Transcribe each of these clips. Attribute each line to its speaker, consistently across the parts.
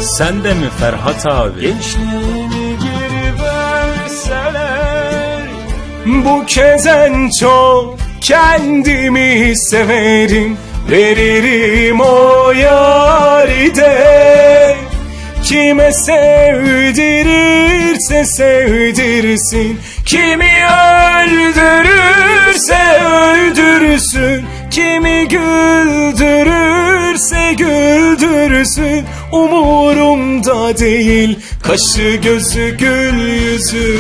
Speaker 1: Sen de mi Ferhat abi?
Speaker 2: Gençliğimi geri verseler, bu kez en çok kendimi severim. Veririm o yâri de, kime sevdirirse sevdirsin. Kimi öldürürse öldürsün, kimi güldürürse güldürsün. Umurumda değil kaşı gözü gül yüzü.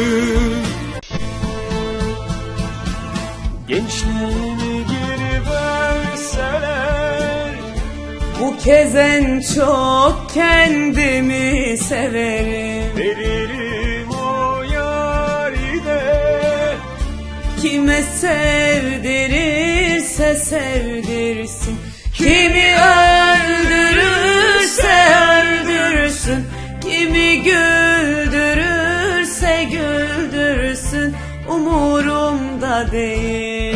Speaker 2: Gençliğimi geri verseler,
Speaker 3: bu kez en çok kendimi severim.
Speaker 2: veririm o yâri de,
Speaker 3: Kime sevdirirse sevdirsin, kimi öldürürse öldürsün, kimi güldürürse güldürsün. Umurumda değil.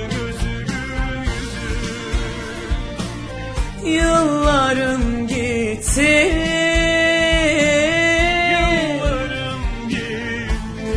Speaker 3: Yıllarım gitti,
Speaker 2: yıllarım gitti.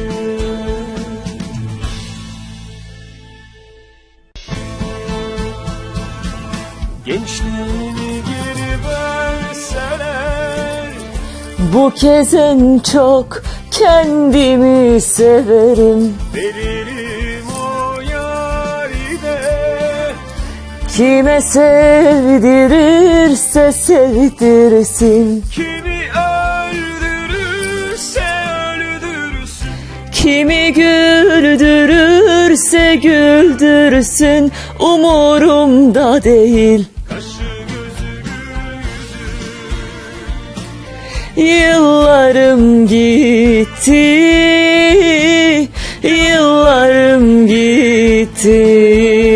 Speaker 2: Gençliğimi geri verseler,
Speaker 4: Bu kez en çok kendimi severim.
Speaker 2: veririm o yâri de,
Speaker 4: Kime sevdirirse sevdirsin,
Speaker 2: kimi öldürürse öldürsün.
Speaker 4: kimi güldürürse güldürsün. Umurumda değil. Yıllarım gitti, yıllarım gitti.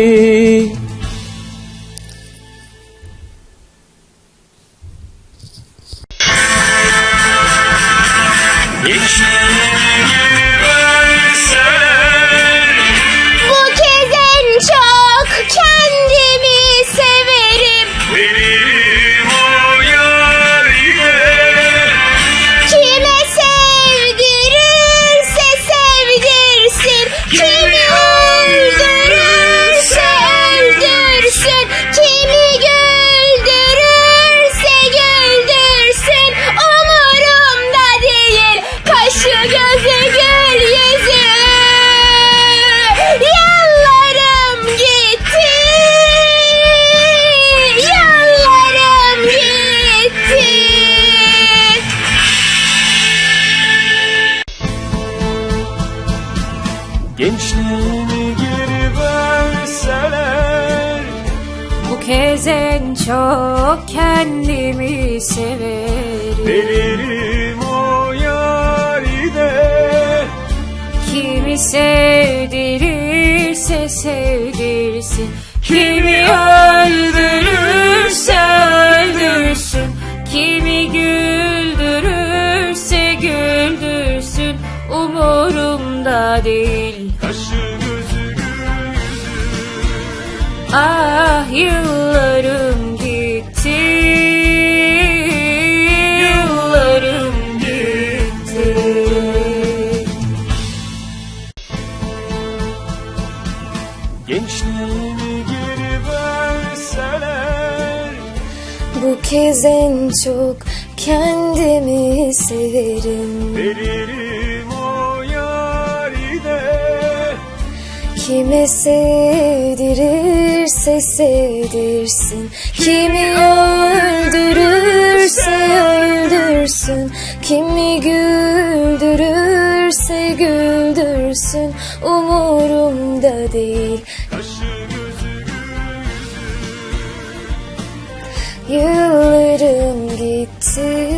Speaker 5: Bu kez en çok kendimi severim.
Speaker 2: Veririm o yâri de,
Speaker 5: Kime sevdirirse sevdirsin, kimi öldürürse öldürsün, kimi güldürürse güldürsün. Umurumda değil kaşı gözü gül yüzü. Yıllarım gitti, yıllarım gitti.
Speaker 2: gençliğimi geri verseler,
Speaker 6: Bu kez en çok kendimi severim.
Speaker 2: veririm o yâri de,
Speaker 6: Kimi sevdirirse sevdirsin, kimi öldürürse öldürsün, kimi güldürürse güldürsün. Umurumda değil. Ah, yıllarım gitti, yıllarım gitti.
Speaker 2: gençliğimi geri verseler,
Speaker 5: Bu kez en çok kendimi severim.
Speaker 2: veririm o yâri de,
Speaker 5: Kime sevdirirse sevdirsin, kimi öldürürse öldürsün, kimi güldürürse güldürsün. Umurumda değil. Yıllarım gitti,